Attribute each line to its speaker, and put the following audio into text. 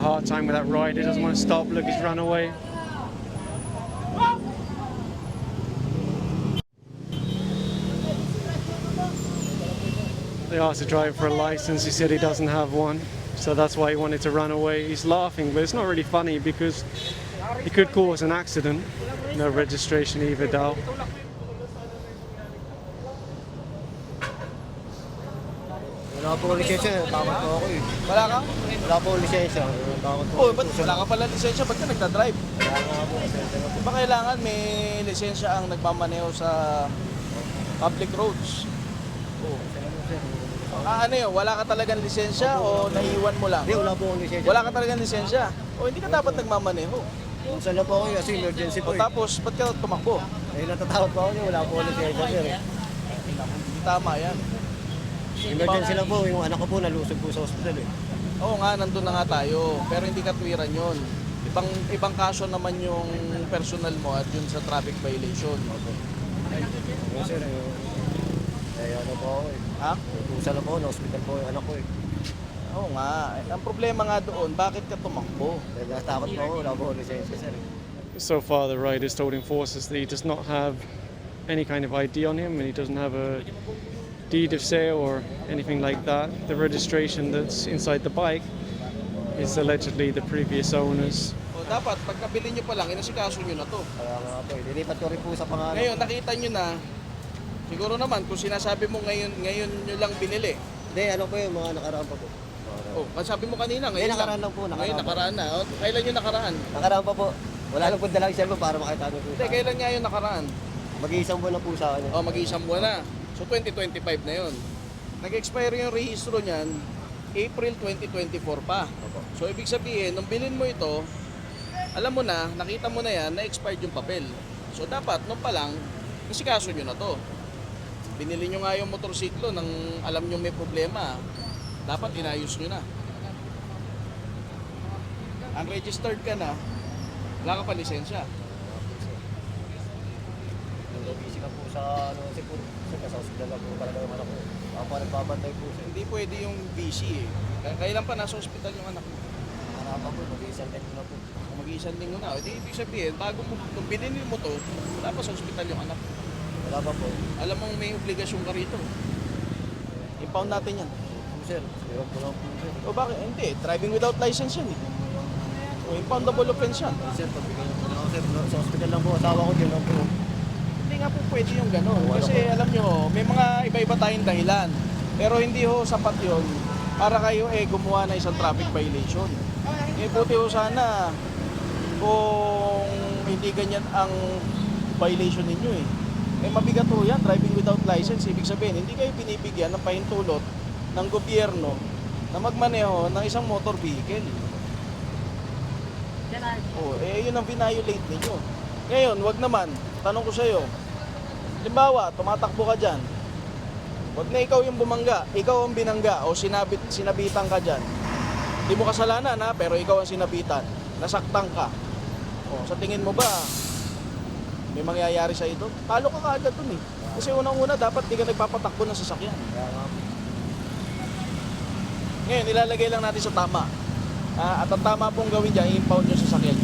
Speaker 1: Hard time with that ride. He doesn't want to stop. Look, he's run away. They asked the driver for a license. He said he doesn't have one, so that's why he wanted to run away. He's laughing, but it's not really funny because he could cause an accident. No registration either, daw.
Speaker 2: Wala po lisensya, takot po ako eh.
Speaker 3: Wala ka?
Speaker 2: Wala po lisensya, takot po.
Speaker 3: Oh, ba't wala ka pala lisensya? Ba't ka nagdadrive?
Speaker 2: Wala nga po, lisensya nga po.
Speaker 3: Di ba kailangan may lisensya ang nagmamaneho sa public roads? Oh. Ano yun? Wala ka talagang lisensya o naiiwan mo lang?
Speaker 2: Hindi, wala po akong lisensya.
Speaker 3: Wala ka talagang lisensya? O hindi ka dapat nagmamaneho?
Speaker 2: Saan na po ako kasi emergency po
Speaker 3: O
Speaker 2: eh.
Speaker 3: tapos, ba't ka tumakbo?
Speaker 2: Eh, natatakot po ako niya, wala po akong lisensya sir eh.
Speaker 3: Hindi tama yan.
Speaker 2: Emergency lang po, yung anak ko po nalusog po sa hospital eh.
Speaker 3: Oo nga, nandun na nga tayo. Pero hindi katwiran yun. Ibang kaso naman yung personal mo at yun sa traffic violation.
Speaker 2: Yung sir, ano po ako eh.
Speaker 3: Ha?
Speaker 2: Pusa lang po, na-hospital po yung anak ko eh.
Speaker 3: Oo nga. Ang problema nga doon, bakit ka tumakbo?
Speaker 2: Dahil natatakot po ako, wala po akong lisensya sir eh.
Speaker 1: So far, the rider's told enforcers that he does not have any kind of ID on him and he doesn't have a deed of sale or anything like that. The registration that's inside the bike is allegedly the previous owner's.
Speaker 3: O dapat, pagkabili nyo pa lang, inasikaso nyo na to.
Speaker 2: Kaya nga po, nilipat ko rin po sa pangalan.
Speaker 3: Ngayon, nakita nyo na, siguro naman, kung sinasabi mo ngayon nyo lang binili.
Speaker 2: Hindi, ano po yung mga nakaraan pa po.
Speaker 3: Oh, sabi mo kanina,
Speaker 2: Hindi,
Speaker 3: ngayon
Speaker 2: nakaraan lang po,
Speaker 3: Ngayon, nakaraan na. O, kailan yung nakaraan?
Speaker 2: Nakaraan pa po. Wala lang po dalang cellphone para makita nyo po
Speaker 3: Hindi,
Speaker 2: sa
Speaker 3: kailan nga yung nakaraan?
Speaker 2: Mag-iisang buwan na po sa akin.
Speaker 3: O, mag-iisang buwan na. So, 2025 na yun. Nag-expire yung rehistro niyan, April 2024 pa. So, ibig sabihin, nung bilhin mo ito, alam mo na, nakita mo na yan, na-expired yung papel. So, dapat, nung pa lang, isikaso nyo na to. Binili nyo nga yung motorsiklo nang alam nyo may problema. Dapat inayos nyo na. Unregistered ka na, wala ka pa lisensya.
Speaker 2: Busy ka po sa ano kasi po sa hospital lang po talaga yung anak ko. Ako pa nagbabantay po siya.
Speaker 3: Hindi pwede yung busy eh. Kailan pa nasa ospital yung anak mo?
Speaker 2: Nakarapan po, mag-iisang time ko na po.
Speaker 3: Kung mag-iisang linggo na, edi ibig sabihin, bago mo, kung binili mo to, wala pa sa ospital yung anak mo.
Speaker 2: Wala pa po.
Speaker 3: Alam mong may obligasyon ka rito. Impound natin yan.
Speaker 2: Sir, hirap ko lang po sir.
Speaker 3: O bakit? Hindi, driving without license yan eh. O impoundable offense yan.
Speaker 2: Sir, pagbigay niyo po na ako sir. Sa hospital lang po, asawa ko din lang po.
Speaker 3: Hindi nga po pwede yung gano'n. Kasi alam nyo, may mga iba-iba tayong dahilan. Pero hindi ho sapat yun para kayo gumawa na isang traffic violation. Buti ho sana kung hindi ganyan ang violation ninyo eh. Mabigat ho yan, driving without license. Ibig sabihin, hindi kayo binibigyan ng pahintulot ng gobyerno na magmaneho ng isang motor vehicle. Yun ang violate ninyo. Ngayon, wag naman, tanong ko sa iyo, halimbawa, tumatakbo ka dyan, wag na ikaw yung bumangga, ikaw ang binangga o sinabitan ka dyan. Hindi mo kasalanan ha, pero ikaw ang sinabitan, nasaktan ka. Sa tingin mo ba, may mangyayari sa ito? Talo ka kaagad dun eh. Kasi unang-una, dapat di ka nagpapatakbo ng sasakyan. Ngayon, ilalagay lang natin sa tama. At ang tama pong gawin dyan, i-impound yung sasakyan